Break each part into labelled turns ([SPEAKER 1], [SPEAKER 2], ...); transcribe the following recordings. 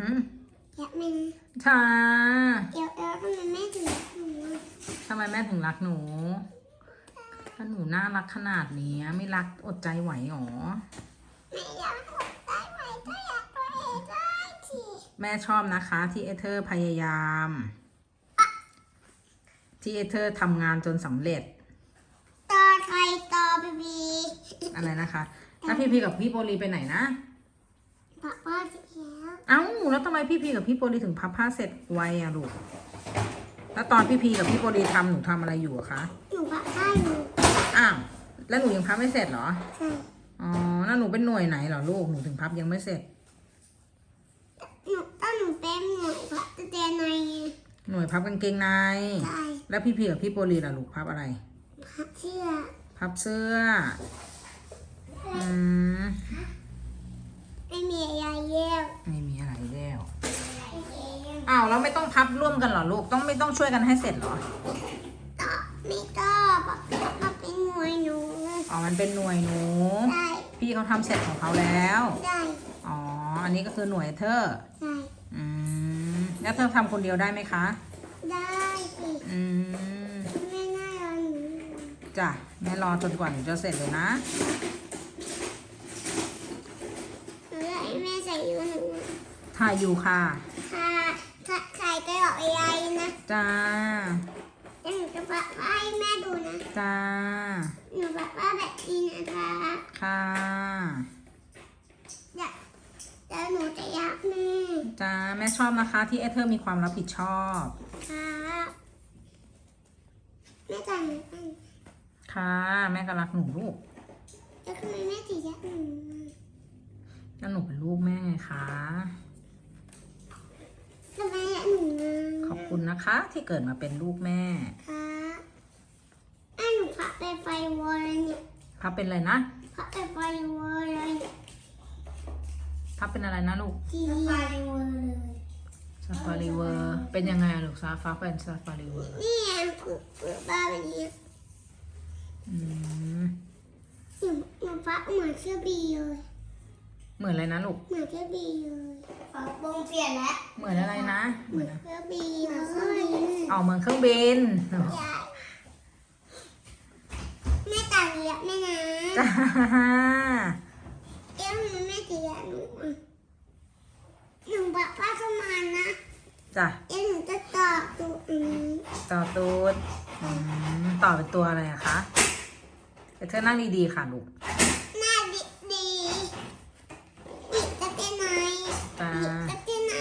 [SPEAKER 1] หือ
[SPEAKER 2] อยากเป็น
[SPEAKER 1] ชา
[SPEAKER 2] เอลทำไมแม่ถึงรักหนู
[SPEAKER 1] ทำไมแม่ถึงรักหนูถ้าหนูน่ารักขนาดนี้ไม่รักอดใจไหวหรอ
[SPEAKER 2] ไม่อยากอดได้ไหมก็อยากตัวเองได้ที
[SPEAKER 1] แม่ชอบนะคะที่เอเธอร์พยายามที่เอเธอร์ทำงานจนสำเร็จ
[SPEAKER 2] ต่อใครต่อบี
[SPEAKER 1] อะไรนะคะแล้วพี่พีกับพี่โปลีไปไหนนะ
[SPEAKER 2] พับผ้าเสร็จแล้ว
[SPEAKER 1] เอ้าแล้วทำไมพี่พีกับพี่โปลีถึงพับผ้าเสร็จไวอะลูกแล้วตอนพี่พีกับพี่โปลีทำหนูทำอะไรอยู่อะคะ
[SPEAKER 2] หนูพับผ้าอยู่
[SPEAKER 1] อ้าวแล้วหนูยังพับไม่เสร็จเหรอ
[SPEAKER 2] ใช่
[SPEAKER 1] อ๋อแล้วหนูเป็นหน่วยไหนเหรอลูกหนูถึงพับยังไม่เสร็จ
[SPEAKER 2] หนูเป็นหนูพับเตียใน
[SPEAKER 1] หน่วยพับกางเกงใน
[SPEAKER 2] ใช่
[SPEAKER 1] แล้วพี่พีกับพี่โปลีล่ะลูกพับอะไร
[SPEAKER 2] พับเสื้อ
[SPEAKER 1] พับเสื้อ
[SPEAKER 2] ไม่มีอะไรเยี่ยว
[SPEAKER 1] ไม่มีอะไรแล้วอ้าวแล้วไม่ต้องพับร่วมกันเหรอลูกไม่ต้องช่วยกันให้เสร็จเหรอ
[SPEAKER 2] ต่อไม่ต้องพับเป็นหน่วยหนู
[SPEAKER 1] อ๋อมันเป็นหน่วยหนู
[SPEAKER 2] ใช่
[SPEAKER 1] พี่เขาทำเสร็จของเขาแล้ว
[SPEAKER 2] ใช่
[SPEAKER 1] อ๋ออันนี้ก็คือหน่วยเธอ
[SPEAKER 2] ใช่
[SPEAKER 1] แล้วเธอทำคนเดียวได้ไหมคะ
[SPEAKER 2] ได้สิแม่น่ารอหนู
[SPEAKER 1] จ้ะแม่รอจนกว่าหนูจะเสร็จเลยนะ
[SPEAKER 2] หนูอยากให้แม่ใส่ยูหนู
[SPEAKER 1] ถ่ายอยู่ค่ะ
[SPEAKER 2] ใส่ไปบอกยายนะ
[SPEAKER 1] จ้า
[SPEAKER 2] หนูจะบอกให้แม่ดูนะ
[SPEAKER 1] จ้า
[SPEAKER 2] หนูบอกว่าแบบนี้นะคะ
[SPEAKER 1] ค่ะ
[SPEAKER 2] เดี๋ยวหนูจะยักแม่
[SPEAKER 1] จ้าแม่ชอบนะคะที่เอเธอร์มีความรับผิดชอบ
[SPEAKER 2] ค่ะแม่จ่ายหนูกัน
[SPEAKER 1] ค่ะแม่ก็รักหนูลูก
[SPEAKER 2] แล้วทำไมแม่ถึงยักหนู
[SPEAKER 1] แล้วหนูเป็นลูกแม่ไงคะ
[SPEAKER 2] ทำไมยักหนู
[SPEAKER 1] ขอบคุณนะคะที่เกิดมาเป็นลูกแม่
[SPEAKER 2] ค่ะหนูพับไปไฟวอลเลยเนี่ย
[SPEAKER 1] พับเป็นอะไรนะ
[SPEAKER 2] พับไปไฟวอลเลย
[SPEAKER 1] พับเป็นอะไรนะลูก
[SPEAKER 2] ซาฟารีเวอร์เลย
[SPEAKER 1] ซาฟารีเวอร์เป็นยังไงลูกฟ้าเป็นซาฟารีเวอร์
[SPEAKER 2] นี่คือบ้าแบบนี้หนูพับเหมือนเสื้อบีเลย
[SPEAKER 1] เหมือนอะไรนะลูก
[SPEAKER 2] เหมือนเสื้อบีเลยพับวงเปลี่ยนแล้ว
[SPEAKER 1] เหมือนอะไรนะ
[SPEAKER 2] เหมือนเสื้อบีเลย
[SPEAKER 1] เหมือนเครื่องบิน
[SPEAKER 2] แม่ตาเรียบแม่นะ
[SPEAKER 1] จ้า
[SPEAKER 2] แม่ตีหนูบอกว่าเข้ามานะ
[SPEAKER 1] จ้ะ
[SPEAKER 2] หนูจะต่อตูด
[SPEAKER 1] ต่อตูดต่อเป็นตัวอะไรอะคะเธอนั่งดีๆค่ะลูก
[SPEAKER 2] หน้าดีจะเป็นไง
[SPEAKER 1] จ้า
[SPEAKER 2] จะเป็นไง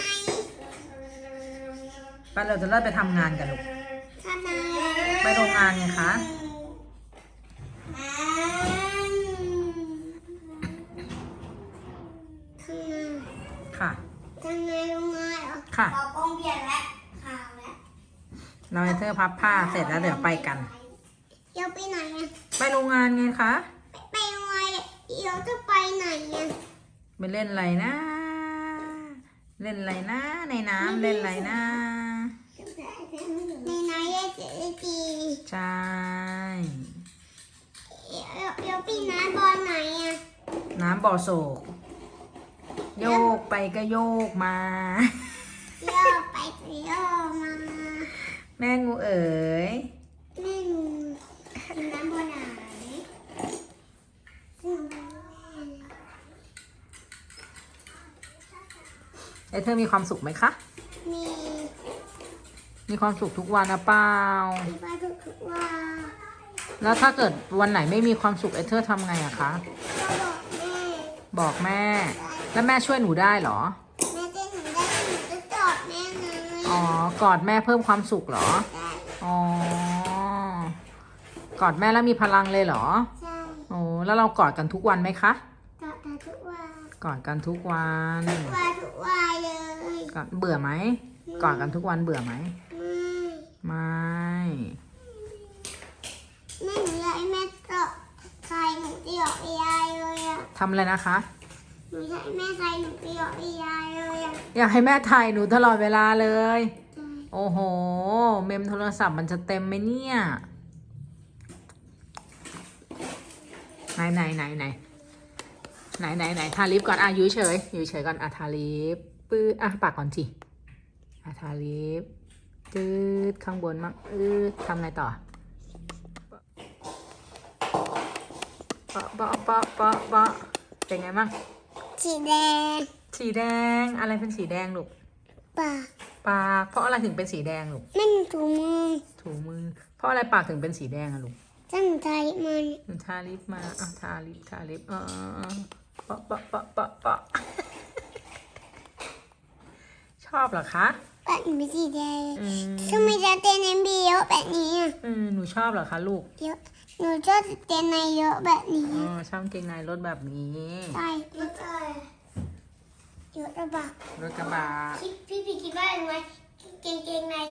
[SPEAKER 1] ไปเราจะเริ่มไปทำงานกันลูก
[SPEAKER 2] ทำไม
[SPEAKER 1] ไปโรงงานไงคะค่ะ
[SPEAKER 2] ทำไงโรงงานเหรอ
[SPEAKER 1] ค่ะ
[SPEAKER 2] เรากงเปลี่ยนแล้วข่าวแล้ว
[SPEAKER 1] เราให้เธอพับผ้าเสร็จแล้วเดี๋ยวไปกัน
[SPEAKER 2] เดี๋ยวไปไหนอ่ะ
[SPEAKER 1] ไปโรงงานไงคะ
[SPEAKER 2] ไปโรงงานเดี๋ยวจะไปไหนอ่ะ
[SPEAKER 1] ไปเล่นอะไรนะเล่นอะไรนะในน้ำเล่นอะไรนะ
[SPEAKER 2] ในน้ำเล่นจี
[SPEAKER 1] ใช่
[SPEAKER 2] เดี๋ยวปีน้ำบอลไหนอ่ะ
[SPEAKER 1] น้ำบ่อโศกโยกไปก็โยกมา
[SPEAKER 2] โยกไปก็โยกมา
[SPEAKER 1] แม่งูเอ๋ย
[SPEAKER 2] แม่งูน้ำบอลไหน
[SPEAKER 1] เธอมีความสุขไหมคะมีความสุขทุกวันนะเปล่า
[SPEAKER 2] มีความสุขทุกวัน
[SPEAKER 1] แล้วถ้าเกิดวันไหนไม่มีความสุขเธอทำไงอะคะบอกแม่แล้วแม่ช่วยหนูได้เหรอ
[SPEAKER 2] แม่จะหนูได้หนูจะกอดแม่ไง
[SPEAKER 1] อ๋อกอดแม่เพิ่มความสุขเหรออ๋อกอดแม่แล้วมีพลังเลยเหรอ
[SPEAKER 2] ใช่
[SPEAKER 1] โอ้แล้วเรากอดกันทุกวันไหมคะ
[SPEAKER 2] กอดกันทุกวัน
[SPEAKER 1] กอดกันทุกวัน
[SPEAKER 2] ทุกวันเลย
[SPEAKER 1] เบื่อไหมกอดกันทุกวันเบื่อไหมไม่
[SPEAKER 2] แม่หนูอยากให้แม่กอดใครหนูจะหยอกยายเลยอะ
[SPEAKER 1] ทำอะไรนะคะ
[SPEAKER 2] หนูอยากให้แม่ใครหนูจะหยอกยายเลยอะ
[SPEAKER 1] อยากให้แม่ถ่ายหนูตลอดเวลาเลยโอ้โหเมมโทรศัพท์มันจะเต็มไหมเนี่ยไหนทาลิปก่อนอยู่เฉยก่อนทาลิปปื้ออ่ะปากก่อนสิอ่ะทาลิปจืดข้างบนมั่งทำไงต่อเปาะเปาะเปาะเปาะเปาะเป็นไงบ้าง
[SPEAKER 2] สีแดง
[SPEAKER 1] สีแดงอะไรเป็นสีแดงลูก
[SPEAKER 2] ปาก
[SPEAKER 1] ปากเพราะอะไรถึงเป็นสีแดงลูก
[SPEAKER 2] มันถูมือ
[SPEAKER 1] ถูมือ เพราะอะไรปากถึงเป็นสีแดงอะลูก
[SPEAKER 2] ตั้งใจมัน
[SPEAKER 1] หนูทาลิปมาอ่ะทาลิปเปาะเปาะเปาะเปาะเปาะ ชอบเหรอคะ
[SPEAKER 2] ปากเป็นสีแดง
[SPEAKER 1] อืม
[SPEAKER 2] ทำไมจะเต้นในบีเยอะแบบนี้อ่ะ
[SPEAKER 1] หนูชอบเหรอคะลูก
[SPEAKER 2] เยอะหนูชอบเต้นในเยอะแบบนี้
[SPEAKER 1] ชอบเกงในรถแบบนี้
[SPEAKER 2] ใช่เยอะเยอะระบาด
[SPEAKER 1] รถกระบะ
[SPEAKER 2] พี่คิดว่ายังไงเกงใน